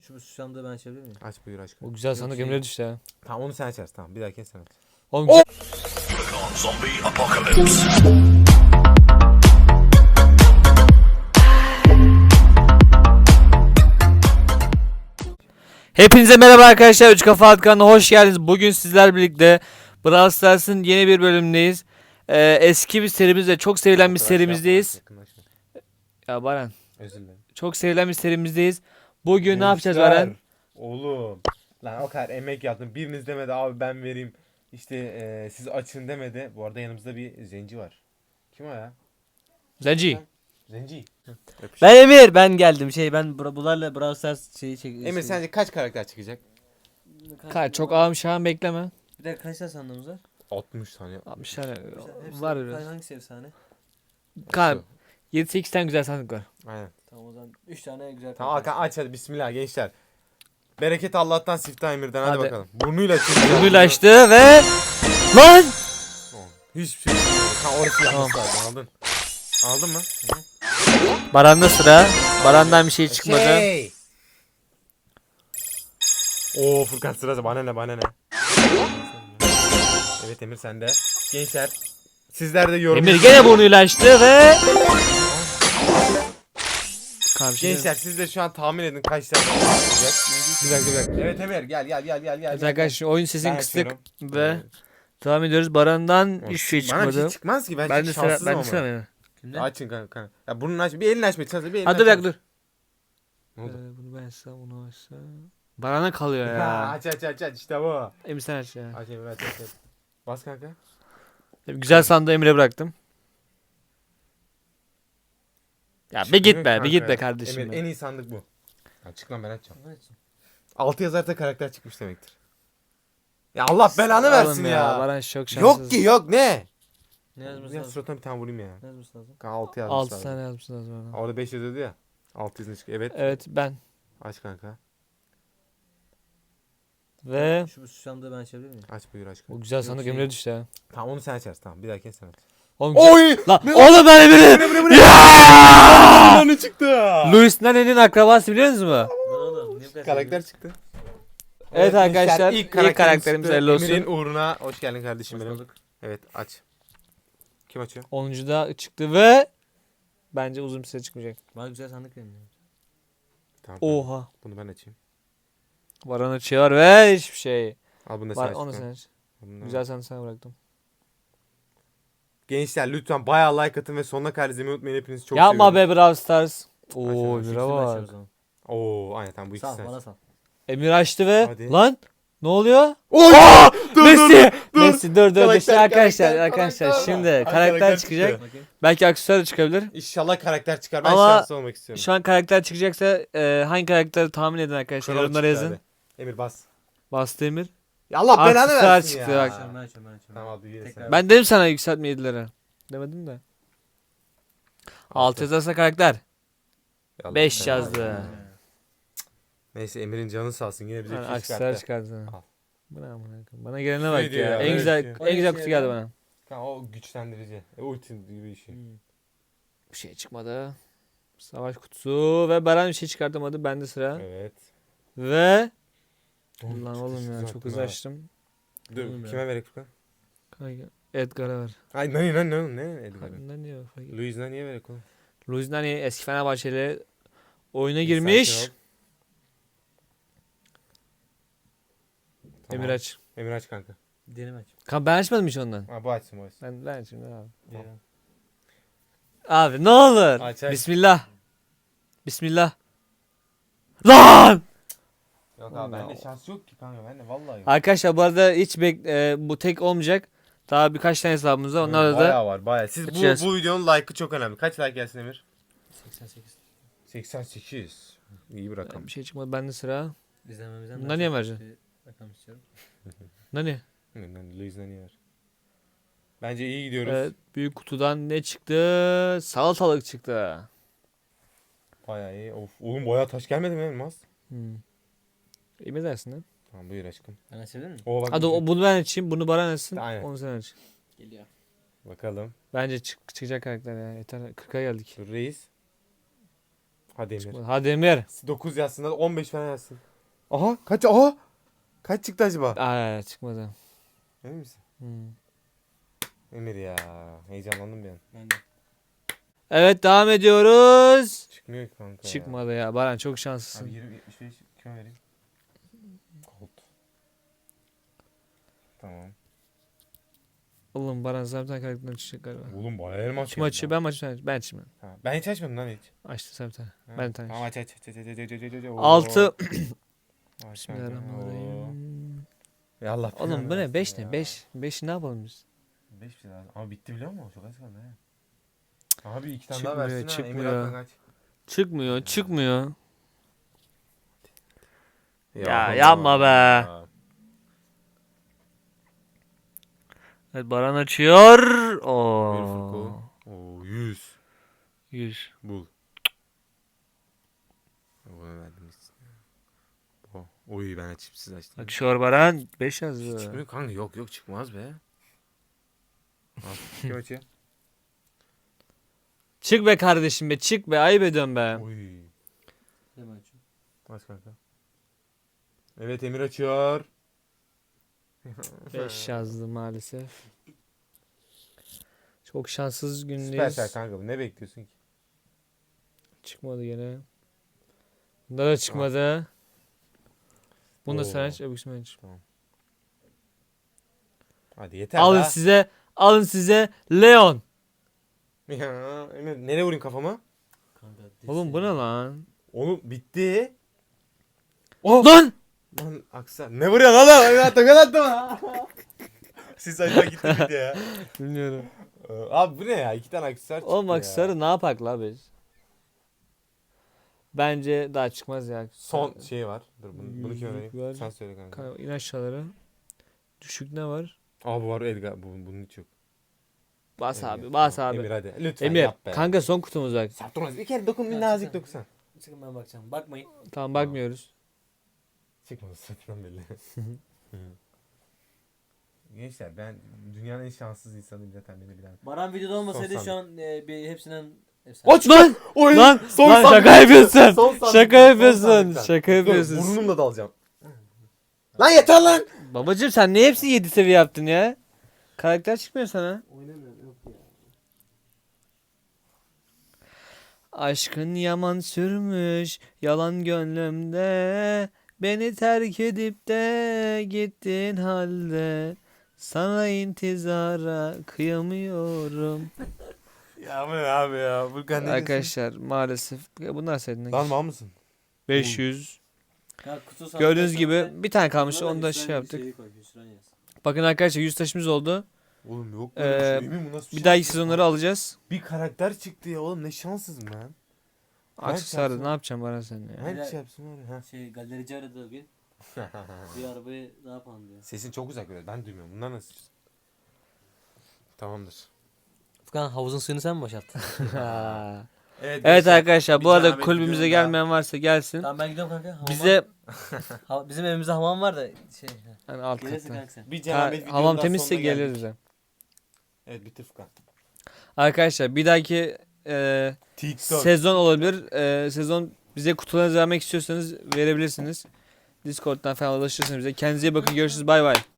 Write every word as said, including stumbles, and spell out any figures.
Şu sandığı ben açabilir miyim? Aç buyur aç. O güzel sandık şey- Emre düştü ya. Tamam onu sen açarsın tamam bir dahaki sen aç. Oğlum Oh! Zombie apocalypse. Hepinize merhaba arkadaşlar. Üç Kafa At kanalına hoş geldiniz. Bugün sizler birlikte Brawl Stars'ın yeni bir bölümündeyiz. Ee, eski bir serimizde, çok sevilen bir serimizdeyiz. Yakınlaşma. Ya Baran, Özür dilerim. çok sevilen bir serimizdeyiz. Bugün ne yapacağız Gençler, Baran? Oğlum. Lan o kadar emek yaptım. Biriniz demedi abi ben vereyim. İşte e, siz açın demedi. Bu arada yanımızda bir zenci var. Kim o ya? Zenci. Zenci. Ben Emir, ben geldim. Şey ben bura- bunlarla Brawl Stars şeyi çek. Emir şey- sence kaç karakter çıkacak? Kar çok ağım şahım bekleme. Bir de kaç tane sandığımız var? altmış tane. altmış tane Hepsi- var Hangi- biraz. Hangisi efsane? Kar yedi sekiz tane güzel sandık var. Aynen. Tamam o zaman üç tane güzel. Tamam Hakan aç hadi bismillah gençler. Bereket Allah'tan siftah Emir'den hadi, Hadi. bakalım. Burnuyla açın. Burnuyla açtı ve lan! Hiçbir şey yok. Ha orası Tamam. yapması lazım aldın. Aldın mı? Baran'da sıra. Baran'dan bir şey çıkmadı. Şey. Oo Furkan sırası bana ne bana ne. Evet Emir sende. Gençler sizler de yorum. Emir gene burnuyla açtı ve Karşı Gençler siz de şu an tahmin edin kaç tane çıkacak. Bir dakika bir dakika. Evet Emir gel gel gel gel gel. Evet arkadaşlar oyun sesini Ben kıstık açıyorum. ve devam ediyoruz. Baran'dan hiçbir şey Bana bir çıkmadı. şey çıkmaz ki ben, Ben çok de sıra, şanssızım ben de ama. sıra benim. Kimde? Açın kanka. kanka. Ya burnunu aç. Bir elini açmaya çalış. Bir elini Hadi bir aç. dakika dur. Ne oldu? Ee, bunu ben açsam, bunu açsam. Baran'a kalıyor Ha, ya. aç aç aç aç işte bu. Emir sen aç ya. Aç Emir aç aç. aç. Bas kanka. Güzel sandığı Emir'e bıraktım. Ya bir git be, Kanka bir git be ya. kardeşim. Emir be. en iyi sandık bu. Ya çık lan ben açacağım. Evet. altı yazarsa karakter çıkmış demektir. Ya Allah belanı Oğlum versin ya. Baran çok şanssız. Yok ki yok ne? Ne yazması Ya lazım? suratına bir tane vurayım ya. Ne yazması lazım? Kanka altı yazmış altı abi. tane yazmışsınız bana. Orada beş yazıyordu ya. altı yazını çıkıyor. Evet. Evet ben. Aç kanka. Ve Şu sandığı ben açabilir miyim? Aç buyur aç kanka. o güzel sandık şey- Emir'e düştü ya. Tamam onu sen açarsın tamam. Bir dahaki sen aç. Oğlum, Oy! Lan oğlum ben Emir'i. Aa! Ne çıktı? Louis Nane'nin akrabası biliyor musunuz mu? Lan oğlum. Niye bu kadar Karakter çıktı. Evet arkadaşlar, ilk karakterimiz çıktı. hayırlı olsun. Emir'in uğruna hoş geldin kardeşim Hoş benim. bulduk. Evet aç. Kim açıyor? onuncuda çıktı ve bence uzun bir süre çıkmayacak. Bana güzel sandık verin. ya. Tamam. Oha. Bunu ben açayım. Baran açıyor ve hiçbir şey. Al bunu da sen Var aç. onu bakalım. sen aç. Bunu da- Güzel sandık sana bıraktım. Gençler lütfen bayağı like atın ve sonuna kadar izlemeyi unutmayın. Hepinizi çok Yapma seviyorum. be Brawl Stars. Oo Açalım, Emir'e İkisini ben açıyorum o bak. zaman. Oo aynen tamam bu Sal ikisi. bana sal. Emir açtı ve Hadi. lan ne oluyor? Oy! Dur, Messi. dur, dur. Messi dur dur. dur. Karakter, Şimdi arkadaşlar karakter, arkadaşlar karakter. şimdi Ay, karakter karakter çıkacak. çıktı. Bakayım. Belki aksesuar da çıkabilir. İnşallah karakter çıkar. Ben Ama şanslı olmak istiyorum. Şu an karakter çıkacaksa e, hangi karakteri tahmin edin arkadaşlar. Kral Yorumlara çıktı yazın. hadi. Emir bas. Bastı Emir. Ya Allah belanı Aksesuar versin çıktı, ya. bak. Açıyorum, ben açıyorum ben açıyorum. Tamam abi yine sen. Tekrar. Ben dedim sana yükseltme yedileri. Demedim de. altı yazarsa karakter. Allah beş belanı yazdı. versin. Neyse Emir'in canı sağ olsun. Yine bize Yani bir şey aksesuar çıkarttı. çıkardı. Al. Bana, bana, bana gelene bak Şey diyor ya. ya, En öyle güzel şey. en güzel Öyle kutu şey geldi ya. bana. Kanka o güçlendirici. E, ulti gibi bir şey. Hmm. Bir şey çıkmadı. Savaş kutusu ve Baran bir şey çıkartamadı. Bende sıra. Evet. Ve Oğlum, Ulan çok oğlum hızlı ya attın çok ha. hızlı açtım. Dur Oğlum ya. kime verek Furkan? Kanka, Edgar'a ver. Ay ne ne ne ne Edgar'ı? Kanka niye fark etmez. Luis'na niye verek oğlum? Luis Nani eski Fenerbahçeli oyuna Bir girmiş. sakin ol. Tamam. Emir aç. Emir aç kanka. Diğerini aç. Kanka ben açmadım hiç ondan. Ha bu açsın bu açsın. Ben ben açayım abi. Diğerini. Abi ne olur. Aç, aç. Bismillah. Bismillah. Lan! Yok abi bende şans yok ki kanka bende vallahi yok. Arkadaşlar bu arada hiç bek e, bu tek olmayacak. Daha birkaç tane hesabımız var. Onlarla da Bayağı var bayağı. Siz bu, Açacağız. bu videonun like'ı çok önemli. Kaç like gelsin Emir? seksen sekiz. seksen sekiz. İyi bir rakam. bir şey çıkmadı. Bende sıra. İzlememizden Bundan niye vereceksin? bir rakam istiyorum. Nani? Luis'na niye ver? Bence iyi gidiyoruz. Evet, büyük kutudan ne çıktı? Salatalık çıktı. Bayağı iyi. Of, oğlum bayağı taş gelmedi mi Elmas? Hmm. İyi mi dersin lan? Tamam buyur aşkım. Ben açabilir miyim? Oo bak. Hadi o, bunu ben açayım. Bunu Baran açsın. Aynen. Onu sen aç. Geliyor. Bakalım. Bence çık çıkacak karakter ya. Yeter. kırka geldik. Dur reis. Hadi Emir. Çıkmadı. Hadi Emir. dokuz yazsın da on beş falan yazsın. Aha kaç aha. Kaç çıktı acaba? Aa, çıkmadı. Emin misin? Hmm. Emir ya. Heyecanlandım bir an. Ben de. Evet devam ediyoruz. Çıkmıyor ki kanka ya. Çıkmadı ya. Baran çok şanslısın. Abi yirmi yetmiş beş kime vereyim? Gold. Tamam. Oğlum Baran sen bir tane karakterden çıkacak galiba. Oğlum bayağı elmas Kim açıyor? Ben mi açayım? Ben açayım. Ha, ben hiç açmadım lan hiç. Açtı sen bir tane. Ha, Ben bir tane. Tamam aç aç aç aç aç aç aç aç aç aç. Oo. Altı. Aç kanka. Bismillahirrahmanirrahim. Oo. Ya Allah Oğlum bu ne? versin beş ya. ne? beş. beş ne yapalım biz? beş bir şey lazım. Ama bitti biliyor musun? Çok az kaldı he. Abi iki tane Çıkmıyor, daha versin ha. çıkmıyor. Emir Akman kaç. Çıkmıyor, çıkmıyor. Ya, Allah yapma be. Allah. Evet Baran açıyor. Buyur Oo. Furko. Oo yüz. yüz. Bul. Bunu verdim biz. O. Oy ben açayım siz açtım. Açıyor Baran. beş yazdı. Çıkmıyor kanka yok yok çıkmaz be. Al. Kim açıyor? Çık be kardeşim be, çık be. Ayıp ediyorum be. Oy. Hemen açıyorum. Aç kanka. Evet Emir açıyor. beş yazdı maalesef. Çok şanssız gündeyiz. Süpersel kanka bu ne bekliyorsun ki? Çıkmadı gene. Bunda da çıkmadı. Bunu da Oo. sen aç, öbürsünü ben aç. Hadi yeter Alın daha. size, alın size Leon. Ya Emir nereye vurayım kafama? Kanka, Oğlum bu ne lan? Oğlum bitti. Oh! Lan! Lan aksa. Ne vuruyorsun oğlum? Emir attım ben attım. Siz acaba gitti gitti ya. Bilmiyorum. Ee, Abi bu ne ya? İki tane aksesuar çıktı Oğlum bak ya. sarı ne yapak la biz? Bence daha çıkmaz ya. Son şey var. Dur bunu, bunu kime Yüzük vereyim? var. Sen söyle kanka. Kanka in aşağılara. Düşük ne var? Aa bu var Edgar. Bu, bunun hiç yok. Bas Emir, abi, bas tamam. abi. Emir hadi. Lütfen Emir, yap be. kanka son kutumuz bak. Saptırmaz. Bir kere dokun bir Ya, nazik çıksana. dokusan. Çıkın ben bakacağım. Bakmayın. Tamam bakmıyoruz. Çıkmadı satından belli. Gençler ben dünyanın en şanssız insanıyım zaten beni bilen. Baran videoda olmasaydı Son şu an e, bir hepsinden efsane. Aç Lan! Oy! Lan! Son Lan sandık. şaka yapıyorsun. Son sandık. Şaka Son yapıyorsun. sandıktan. Şaka Dur, yapıyorsun. burnumla da alacağım. Lan yeter lan. Babacım sen niye hepsini yedi seviye yaptın ya? Karakter çıkmıyor sana. Oynamıyorum yok ya. Aşkın yaman sürmüş yalan gönlümde. Beni terk edip de gittin halde. Sana intizara kıyamıyorum. Ya bu ne abi ya? Furkan ne Arkadaşlar maalesef bunlar senin. Lan mal mısın? beş yüz. Ya kutu sandık Gördüğünüz açalım gibi ve bir tane kalmış buna da onu da hüsran şey yaptık. şeyi koy, hüsran yaz. Bakın arkadaşlar yüz taşımız oldu. Oğlum yok Ee, böyle bir şey. Emin bu nasıl Bir dahaki şans? sezonları alacağız. Bir karakter çıktı ya oğlum ne şanssızım ben. Aksesuarı yapsam- ne yapacağım bana sen ya? Hangi şey yapsın var ya? Ha. Şey galerici aradı bir. Bir arabayı ne yapalım diyor. Sesin çok uzak böyle. Ben duymuyorum. Bunlar nasıl? Tamamdır. Furkan havuzun suyunu sen mi boşalttın? Evet, Evet arkadaşlar bir bu arada zahmet kulübümüze videonun daha- gelmeyen varsa gelsin. Tamam ben gidiyorum kanka. Hamam. Bize Ha- bizim evimizde hamam var da şey. hani alt Gelirsin katta. kanka sen. Bir Ha, cenabet videonun hamam daha temizse sonuna geldik. geliriz de. Evet bitti Furkan. Arkadaşlar bir dahaki e, TikTok. sezon olabilir. E, sezon bize kutularınızı vermek istiyorsanız verebilirsiniz. Discord'dan falan ulaşırsınız bize. Kendinize iyi bakın. Görüşürüz. Bay bay.